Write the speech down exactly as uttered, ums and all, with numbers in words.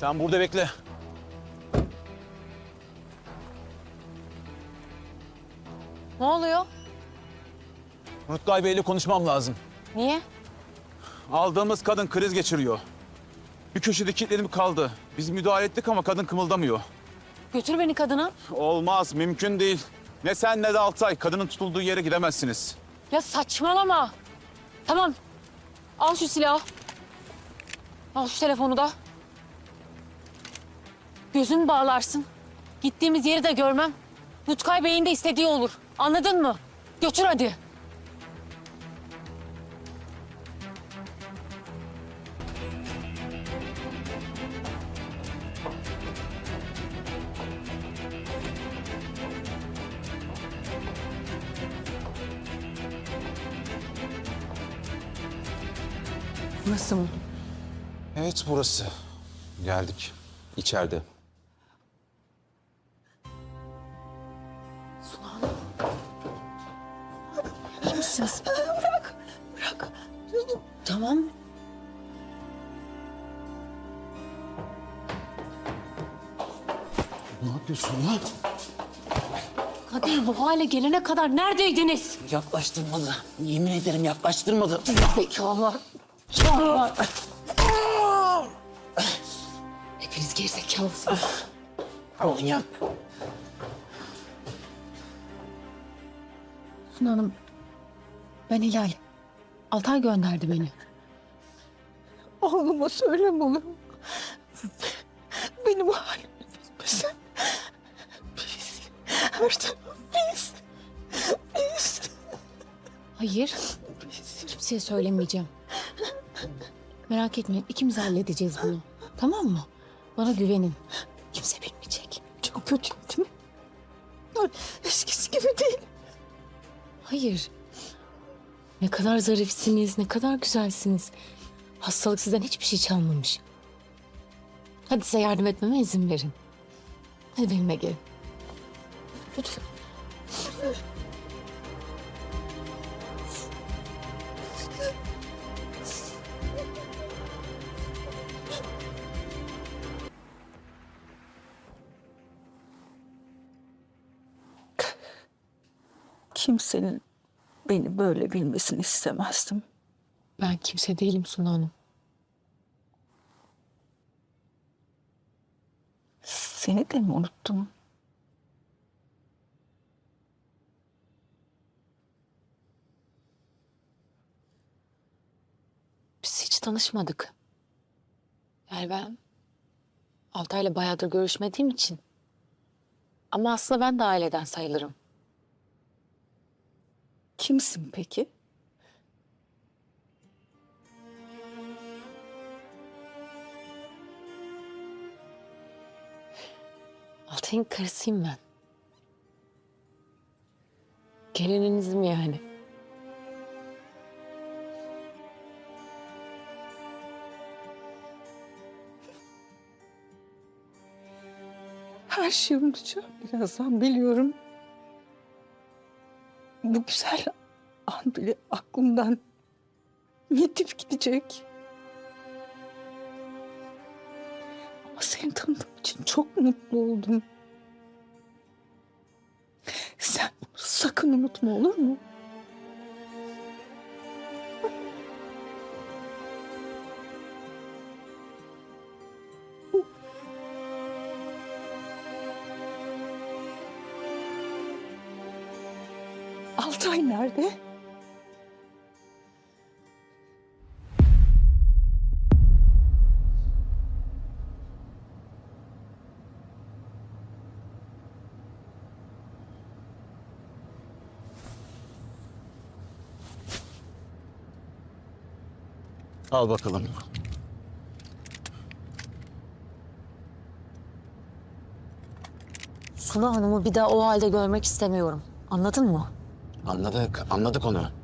Sen burada bekle. Ne oluyor? Rutkay Bey'le konuşmam lazım. Niye? Aldığımız kadın kriz geçiriyor. Bir köşede kilitlenip kaldı. Biz müdahale ettik ama kadın kımıldamıyor. Götür beni kadına. Olmaz, mümkün değil. Ne sen ne de Altay. Kadının tutulduğu yere gidemezsiniz. Ya saçmalama. Tamam. Al şu silahı. Al şu telefonu da. Gözünü bağlarsın. Gittiğimiz yeri de görmem. Rutkay Bey'in de istediği olur. Anladın mı? Götür hadi. Nasıl mı? Evet, burası. Geldik. İçeride. İyi misiniz? Bırak, bırak. Tamam. Ne yapıyorsun lan? Kadir bu hale gelene kadar neredeydiniz? Yaklaştırmadı. Yemin ederim yaklaştırmadı. Zekalar. Zekalar. Hepiniz gerizekalısınız. Oğlum. Suna Hanım, ben Hilal. Altay gönderdi beni. Oğluma söyleme olur mu? Benim bu halimi bilmesin. Biz, her taraf biz. Biz. Hayır, kimseye söylemeyeceğim. Merak etmeyin, ikimiz halledeceğiz bunu. Tamam mı? Bana güvenin. Kimse bilmeyecek. Çok kötü değil mi? Eskisi gibi değil. Hayır. Ne kadar zarifsiniz, ne kadar güzelsiniz. Hastalık sizden hiçbir şey çalmamış. Hadi size yardım etmeme izin verin. Hadi benimle gelin. Lütfen. Kimsenin beni böyle bilmesini istemezdim. Ben kimse değilim Suna Hanım. Seni de mi unuttum? Biz hiç tanışmadık. Yani ben Altay'la bayağıdır görüşmediğim için. Ama aslında ben de aileden sayılırım. Kimsin peki? Altay'ın karısıyım ben. Gelininizim yani. Her şeyi unutacağım birazdan biliyorum. Bu güzel an bile aklımdan yitip gidecek. Ama seni tanıdığım için çok mutlu oldum. Sen bunu sakın unutma olur mu? Altay nerede? Al bakalım. Suna Hanım'ı bir daha o halde görmek istemiyorum. Anladın mı? Anladık, anladık onu.